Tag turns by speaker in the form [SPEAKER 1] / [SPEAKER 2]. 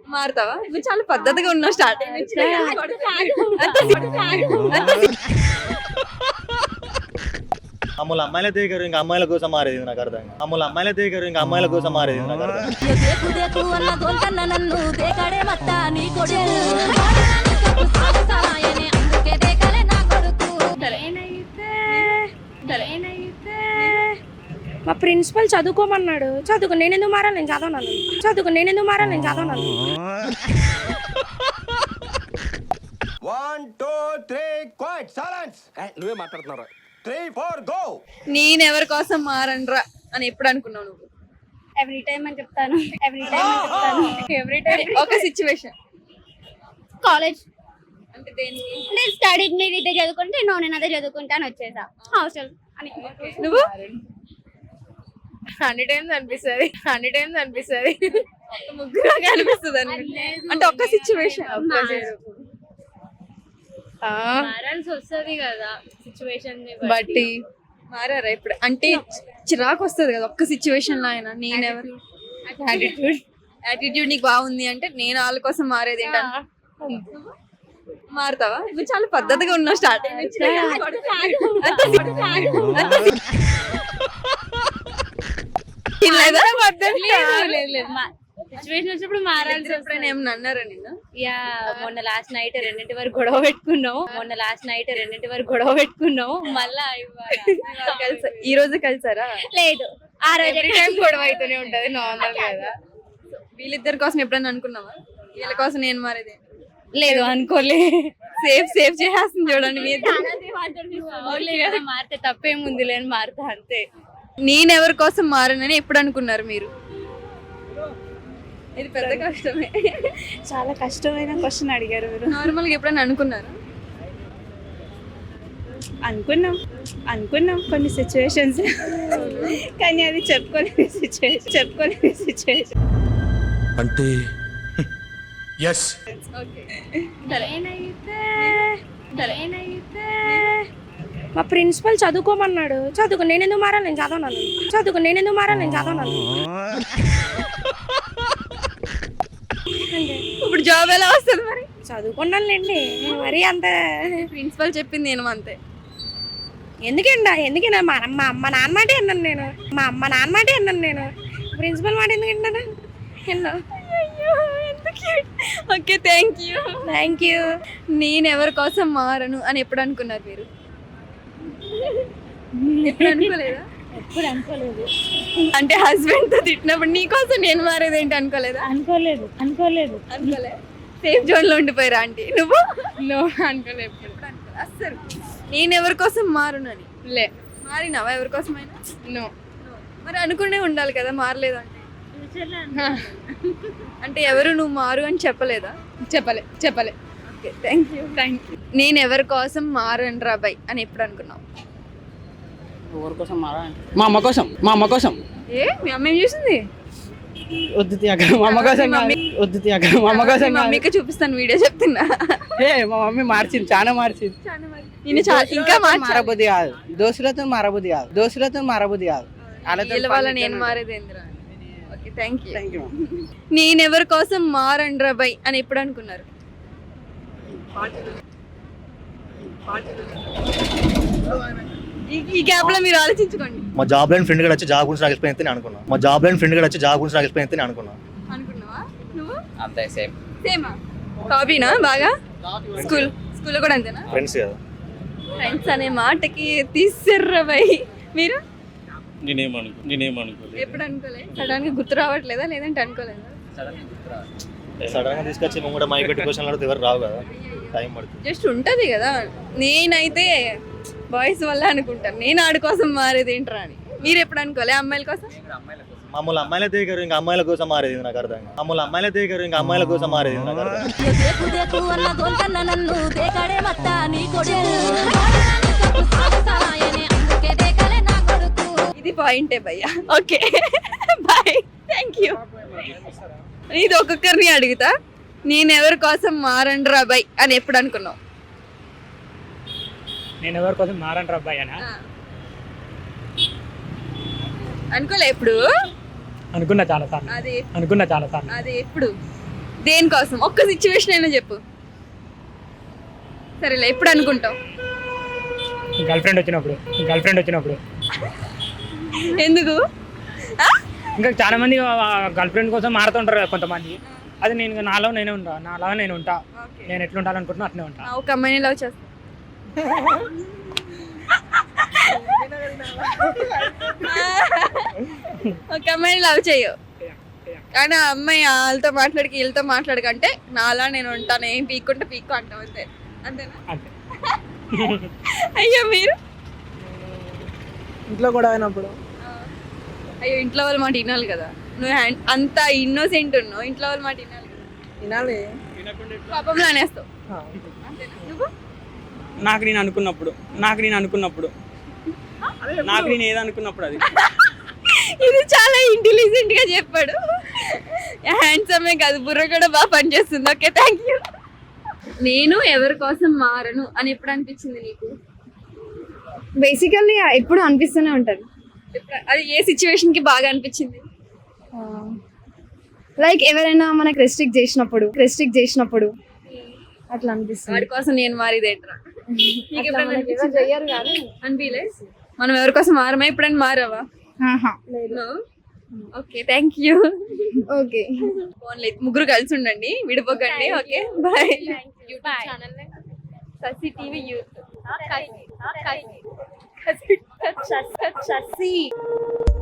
[SPEAKER 1] మారుతావా? నువ్వు చాలా పద్ధతిగా ఉన్నావు స్టార్టింగ్ నుంచి.
[SPEAKER 2] మామూలు అమ్మాయిల దగ్గర ఇంకా అమ్మాయిల కోసం మారేది నాకు అర్థం కాదు. మామూలు అమ్మాయిల దగ్గర ఇంకా అమ్మాయిల కోసం మారేది నాకు అర్థం కాదు.
[SPEAKER 3] మా ప్రిన్సిపల్ చదువుకోమన్నాడు. చదువుకు నేను ఎందుకు మారాలి? నేను చదవనాను. చదువుకు నేను ఎందుకు మారాలి? నేను చదవనాను.
[SPEAKER 4] 1 2 3 క్వైట్ సైలెన్స్. నువ్వే మాట్లాడుతున్నారా? 3 4 గో.
[SPEAKER 1] నేను ఎవరి కోసం మారనరా అని ఎప్పుడు అనుకున్నావు నువ్వు?
[SPEAKER 5] ఎవ్రీ టైం అని చెప్తాను. ఎవ్రీ టైం
[SPEAKER 1] ఒక సిచ్యువేషన్
[SPEAKER 5] కాలేజ్
[SPEAKER 1] అంటే దేనికి?
[SPEAKER 5] నేను స్టడీ నేను ఇదే చదువుకుంటే నేను అదే చదువుకుంటాను వచ్చేసా హాస్టల్ అని.
[SPEAKER 1] నువ్వు
[SPEAKER 3] అన్ని టైమ్స్ అనిపిస్తుంది.
[SPEAKER 1] ముగ్గురు అనిపిస్తుంది అంటే ఒక్క సిచ్యువేషన్
[SPEAKER 3] మారాల్సి వస్తుంది కదా సిచ్యువేషన్
[SPEAKER 1] బట్టి మారారా ఇప్పుడు? అంటే చిరాకు వస్తుంది కదా ఒక్క సిచ్యువేషన్ లో అయినా. నేనెవరు యాటిట్యూడ్ నీకు బాగుంది అంటే నేను వాళ్ళ కోసం మారేది ఏంటంటే మారుతావా? నువ్వు చాలా పద్ధతిగా ఉన్నావు స్టార్టింగ్ నుంచి.
[SPEAKER 3] సిచ్యువేషన్ వచ్చినప్పుడు మారాల్సి
[SPEAKER 1] ఎప్పుడైనా ఏమన్నా అన్నారా నిన్ను?
[SPEAKER 3] యా మొన్న లాస్ట్ నైట్ 2 వరకు గొడవ పెట్టుకున్నావు మళ్ళా
[SPEAKER 1] కలిసా ఈ రోజు కలిసారా?
[SPEAKER 5] లేదు ఆ రోజు
[SPEAKER 3] టైం గొడవ అయితేనే ఉంటది నార్మల్ కదా.
[SPEAKER 1] వీళ్ళిద్దరి కోసం ఎప్పుడైనా అనుకున్నావా వీళ్ళ కోసం నేను మారేది?
[SPEAKER 3] లేదు అనుకోలే.
[SPEAKER 1] సేఫ్ చేసేస్తుంది చూడండి మీరు.
[SPEAKER 3] మారితే తప్పేముంది లేని మారుతా అంతే.
[SPEAKER 1] నేను ఎవరి కోసం మారనని ఎప్పుడు అనుకున్నారు మీరు? ఇది పెద్ద కష్టమే.
[SPEAKER 3] చాలా కష్టమైన క్వశ్చన్ అడిగారు మీరు.
[SPEAKER 1] నార్మల్గా ఎప్పుడైనా అనుకున్నారా?
[SPEAKER 3] అనుకున్నాం కొన్ని సిచ్యువేషన్స్ కానీ అది చెప్పుకోలేని సిచ్యువేషన్
[SPEAKER 4] అంటే yes
[SPEAKER 3] మా ప్రిన్సిపల్ చదువుకోమన్నాడు. చదువుకు నేను ఎందుకు మారాలి? నేను చదవనాను.
[SPEAKER 1] ఇప్పుడు జాబ్ ఎలా వస్తుంది మరి?
[SPEAKER 3] చదువుకున్నానులేండి మరి అంత.
[SPEAKER 1] ప్రిన్సిపల్ చెప్పింది నేను అంతే.
[SPEAKER 3] ఎందుకంటే మా అమ్మ నాన్న మాటే అన్నాను నేను. ప్రిన్సిపల్ మాట ఎందుకు విన్నాను?
[SPEAKER 1] Okay thank you. నేను ఎవరి కోసం మారను అని ఎప్పుడు అనుకున్నారు మీరు? ఎప్పుడు అనుకోలేదా?
[SPEAKER 3] ఎప్పుడు అనుకోలేదు.
[SPEAKER 1] అంటే హస్బెండ్ తో తిట్టినప్పుడు నీ కోసం నేను మారేది ఏంటి అనుకోలేదా?
[SPEAKER 3] అనుకోలేదు.
[SPEAKER 1] సేఫ్ జోన్ లో ఉండిపోయారా ఆంటీ? నువ్వు
[SPEAKER 3] అనుకోలేదు.
[SPEAKER 1] అస్సలు నేను ఎవరి కోసం మారును అని మారినావా ఎవరి కోసమైనా? మరి అనుకునే ఉండాలి కదా మారలేదు అంటే. అంటే ఎవరు నువ్వు మారు అని చెప్పలేదా?
[SPEAKER 3] చెప్పలే.
[SPEAKER 1] Okay thank you. నేను ఎవరి కోసం మారను రా బై అని ఎప్పుడు అనుకున్నావు?
[SPEAKER 6] ఎవరి కోసం మారా? మా అమ్మ కోసం.
[SPEAKER 1] ఏ మీ అమ్మ ఏం చేసింది?
[SPEAKER 6] వద్దు తీయక మా అమ్మ కోసం
[SPEAKER 1] మమ్మీకి చూపిస్తాను వీడియో చెప్తున్నా.
[SPEAKER 6] మా మమ్మీ మార్చింది, చాలా మార్చింది.
[SPEAKER 1] ఇంకా
[SPEAKER 6] మారబుద్ధి కాదు, దోస్తులతో మారబుద్ధి కాదు.
[SPEAKER 1] వాళ్ళ నేను మారేది ఏందిరా? Okay thank you.
[SPEAKER 6] యూ.
[SPEAKER 1] నేను ఎవరి కోసం మారను రా బై అని ఎప్పుడు అనుకున్నారు? ఈ గ్యాప్ లో మీరు ఆలోచించుకోండి.
[SPEAKER 2] మా జాబ్ లైన్ ఫ్రెండ్ కూడా వచ్చి జాబ్ గురించి నాకు ఎక్స్ప్లెయిన్ అయితే నేను అనుకున్నా.
[SPEAKER 1] అనుకున్నావా నువ్వు?
[SPEAKER 6] అంతే సేమ్.
[SPEAKER 1] సేమా కాపీనా? బాగా స్కూల్లో కూడా అంతేనా?
[SPEAKER 2] ఫ్రెండ్స్ కదా.
[SPEAKER 1] ఫ్రెండ్స్ అనే మాటకి తీసిర్రా బై. మీరు
[SPEAKER 7] నేనేమనుకోలేదు.
[SPEAKER 1] ఎప్పుడు అనుకోలే? సడన్ గా గుర్తు రావట్లేదా లేదంటే అనుకోలేదా?
[SPEAKER 2] సడన్ గా తీసుకొచ్చి నువ్వు కూడా మైక్ పెట్టి క్వశ్చన్ అడిగితే ఎవరు రావు కదా, టైం పడుతుంది.
[SPEAKER 1] జస్ట్ ఉంటది కదా. నేనైతే బాయ్స్ వల్ల అనుకుంటాను నేను ఆడి కోసం మారేది ఏంట్రా అని. మీరు ఎప్పుడు అనుకోలే అమ్మాయిల కోసం?
[SPEAKER 2] మామూలు అమ్మాయిల దగ్గర ఇంకా అమ్మాయిల కోసం మారేది నాకు అర్థం కాదు.
[SPEAKER 1] ఇది పాయింటే భయ్యా. Okay bye thank you. ఇది ఒక్కొక్కరిని అడుగుతా. నేను ఎవరి కోసం మారండ్రా బై అని ఎప్పుడు అనుకున్నావు?
[SPEAKER 8] నేను ఎవరి కోసం మారండ్రా బై అనా?
[SPEAKER 1] అనుకోలే ఎప్పుడు?
[SPEAKER 8] అనుకున్నా చాలా సార్లు.
[SPEAKER 1] అది
[SPEAKER 8] అనుకున్నా చాలా సార్లు.
[SPEAKER 1] అది ఎప్పుడు? దేనికోసం ఒక్క సిచ్యువేషన్ అయినా చెప్పు. సరేలే, ఎప్పుడు అనుకుంటావు?
[SPEAKER 8] గర్ల్ ఫ్రెండ్ వచ్చినప్పుడు
[SPEAKER 1] ఎందుకు? ఆ?
[SPEAKER 8] ఇంకా చాలా మంది గర్ల్ ఫ్రెండ్ కోసం మారుతుంటారు కదా కొంతమంది. అది నేను నాలో నేను ఉంటా. నేను ఎట్లా ఉండాలనుకుంటున్నా అట్లే ఉంటా.
[SPEAKER 1] ఒక అమ్మాయిని లవ్ చేస్తా. ఒక అమ్మాయిని లవ్ చెయ్యు, కానీ ఆ అమ్మాయి వాళ్ళతో వీళ్ళతో మాట్లాడకంటే నాలా నేను ఉంటాను, ఏం పీక్కుంటే పీక్కు అంటావు అంతే. అంతేనా?
[SPEAKER 8] అంతే.
[SPEAKER 1] అయ్యో మీరు?
[SPEAKER 6] ఇంట్లో కూడా అయినప్పుడు
[SPEAKER 1] అయ్యో ఇంట్లో వాళ్ళ మాట వినాలి కదా. నువ్వు అంత ఇన్నోసెంట్ ఉన్నావు, ఇంట్లో వాళ్ళ మాట వినాలి కదా.
[SPEAKER 6] వినాలి.
[SPEAKER 1] కోపంలో అనేస్తావు. అంతేనా? నువ్వు?
[SPEAKER 6] నాకు నేను అనుకున్నప్పుడు అది
[SPEAKER 1] ఇది చాలా ఇంటెలిజెంట్ గా చెప్పాడు. హ్యాండ్సమే కాదు, బుర్ర కూడా బాగా పనిచేస్తుంది. Okay, thank you. నేను ఎవరి కోసం మారను అని ఎప్పుడు అనిపించింది నీకు?
[SPEAKER 3] బేసికల్లీ ఎప్పుడు అనిపిస్తూనే ఉంటుంది.
[SPEAKER 1] అది ఏ సిచ్యువేషన్ కి బాగా అనిపించింది?
[SPEAKER 3] లైక్ ఎవరైనా మనకు రెస్ట్రిక్ట్ చేసినప్పుడు అట్లా అనిపిస్తుంది.
[SPEAKER 1] వాడి కోసం నేను మారేదేంట్రా?
[SPEAKER 3] చెయ్యరు కానీ
[SPEAKER 1] అనిపించలే? మనం ఎవరి కోసం మారమా? ఎప్పుడైనా మారావా? Okay, thank you.
[SPEAKER 3] ఓకే,
[SPEAKER 1] ఫోన్లే, ముగ్గురు కలిసి ఉండండి, విడిపోకండి. Okay, bye. Sasi TV youth.